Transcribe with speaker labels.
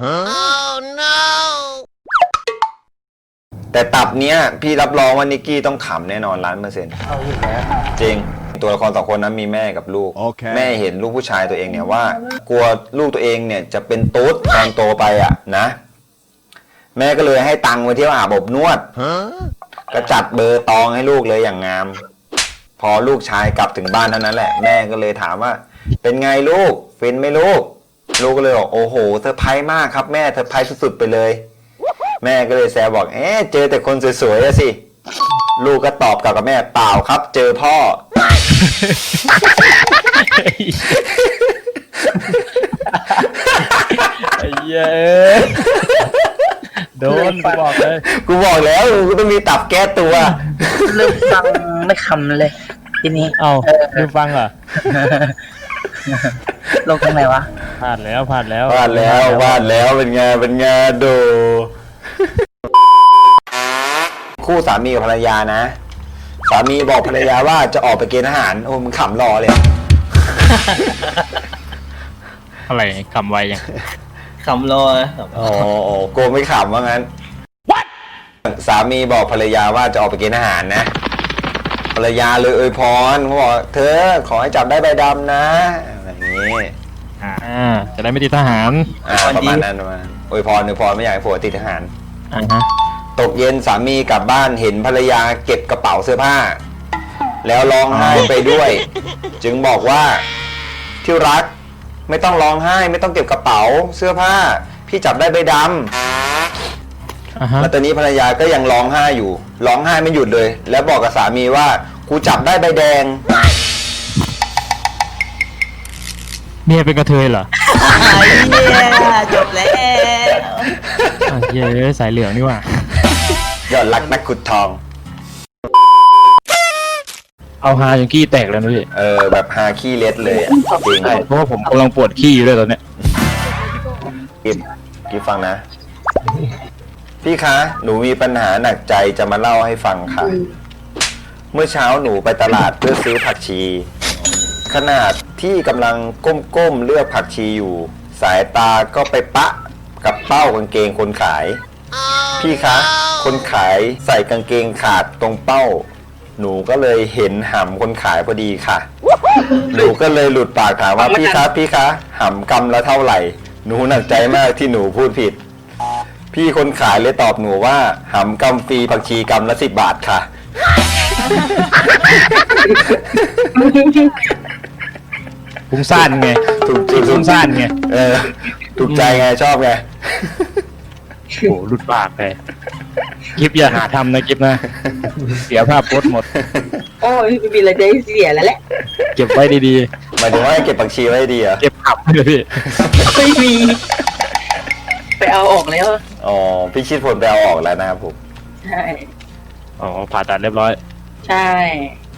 Speaker 1: แต่ตับเนี้ยพี่รับรองว่านิกกี้ต้องขำแน่นอน1,000,000%
Speaker 2: เอาอยู่แล้ว
Speaker 1: จริงตัวละคร2คนนั้นมีแม่กับลูก
Speaker 3: Okay.
Speaker 1: แม่เห็นลูกผู้ชายตัวเองเนี่ยว่ากลัวลูกตัวเองเนี่ยจะเป็นตุ๊ดตอนโตไปอ่ะนะ แม่ก็เลยให้ตังค์ไปเที่ยวอาบอบนวดก็จัดเบอร์ตองให้ลูกเลยอย่างงาม พอลูกชายกลับถึงบ้านเท่านั้นแหละแม่ก็เลยถามว่าเป็นไงลูกฟินไหมลูกลูกก็เลยบอกโอ้โหเซอร์ไพรส์มากครับแม่เซอร์ไพรส์สุดๆไปเลยแม่ก็เลยแซวบอกเจอแต่คนสวยๆอะสิลูกก็ตอบกลับกับแม่เปล่าครับเจอพ่อ
Speaker 4: ไอ้เหี้ยโดนกูบอกเลย
Speaker 1: กูบอกแล้วกูต้องมีตับแก้ตัว
Speaker 2: เริ่มฟังไม่คำเลยทีนี้
Speaker 4: เอ้าดูฟังเหรอ
Speaker 2: ลงตรงไหนวะ
Speaker 4: พลาดแล้วพลาดแล้ว
Speaker 1: วาดแล้วเป็นไงดูคู่สามีกับภรรยานะสามีบอกภรรยาว่าจะออกไปเกณฑ์ทหารโอ้มึงขำรอเลย
Speaker 4: อะไรคำไวยัง
Speaker 2: คำรอ
Speaker 1: อ๋อโกไม่ขำว่างั้น สามีบอกภรรยาว่าจะออกไปเกณฑ์ทหารนะภรรยาเลยอวยพรเขาบอกเธอขอให้จับได้ใบดำนะอะไรอย่างนี้
Speaker 4: จะได้ไม่ติดทหาร
Speaker 1: ประมาณนั้นอวยพรไม่อยากให้ผัวติดทหาร
Speaker 4: ฮะ
Speaker 1: ตกเย็นสามีกลับบ้านเห็นภรรยาเก็บกระเป๋าเสื้อผ้า แล้วร้องไห้ไปด้วย จึงบอกว่าที่รักไม่ต้องร้องไห้ไม่ต้องเก็บกระเป๋าเสื้อผ้าพี่จับได้ใบดำแล้วตอนนี้ภรรยาก็ยังร้องไห้อยู่ร้องไห้ไม่หยุดเลย แล้วบอกกับสามีว่ากูจับได้ใบแดง
Speaker 4: เมียเป็นกระเทยเหรอ
Speaker 2: จบแล้ว
Speaker 4: เย้สายเหลืองนี่ว่ะ
Speaker 1: ยอดรักนักขุดทอง
Speaker 4: เอาฮาจนขี้แตกแล้วนะพี่
Speaker 1: แบบฮาขี้เล็ดเลยอะจริง
Speaker 4: เพราะว่าผมกำลังปวดขี้อยู่ด้วยตอนเนี้ย
Speaker 1: กิฟฟังนะ พี่คะหนูมีปัญหาหนักใจจะมาเล่าให้ฟังค่ะ เมื่อเช้าหนูไปตลาดเพื่อซื้อผักชี ขนาดที่กำลังก้มๆเลือกผักชีอยู่ สายตาก็ไปปะกับเป้ากางเกงคนขาย พี่คะคนขายใส่กางเกงขาดตรงเป้า หนูก็เลยเห็นหำคนขายพอดีค่ะ หนูก็เลยหลุดปากถามว่าพี่คะหำกำละเท่าไหร่ หนูหนักใจมากที่หนูพูดผิด พี่คนขายเลยตอบหนูว่าหำกำฟรีผักชีกำละ10 บาทค่ะ
Speaker 4: ฟุ้งซ่านไง
Speaker 1: ถูกใจ
Speaker 4: ฟุ้งซ่านไง
Speaker 1: ถูกใจไงชอบไง
Speaker 4: โอ้หลุดปากเลยคลิปอย่าหาทำนะคลิปนะ เสียภาพโพสต์หมด
Speaker 5: โอ้ยไม่มีอะไรจะให้เสียแล้วแหละ
Speaker 4: เก็บไว้ดี
Speaker 1: หมายถึงว่าให้เก็บผักชีไว้ดีเหรอ
Speaker 4: ๆ เก็บขับเลยพี่
Speaker 5: ไม่มี ไปเอาออกแล้ว
Speaker 1: อ๋อพี่ชิดผลไปเอาออกแล้วนะครับผม
Speaker 5: ใช่
Speaker 4: อ๋อผ่าตัดเรียบร้อย
Speaker 5: ใช่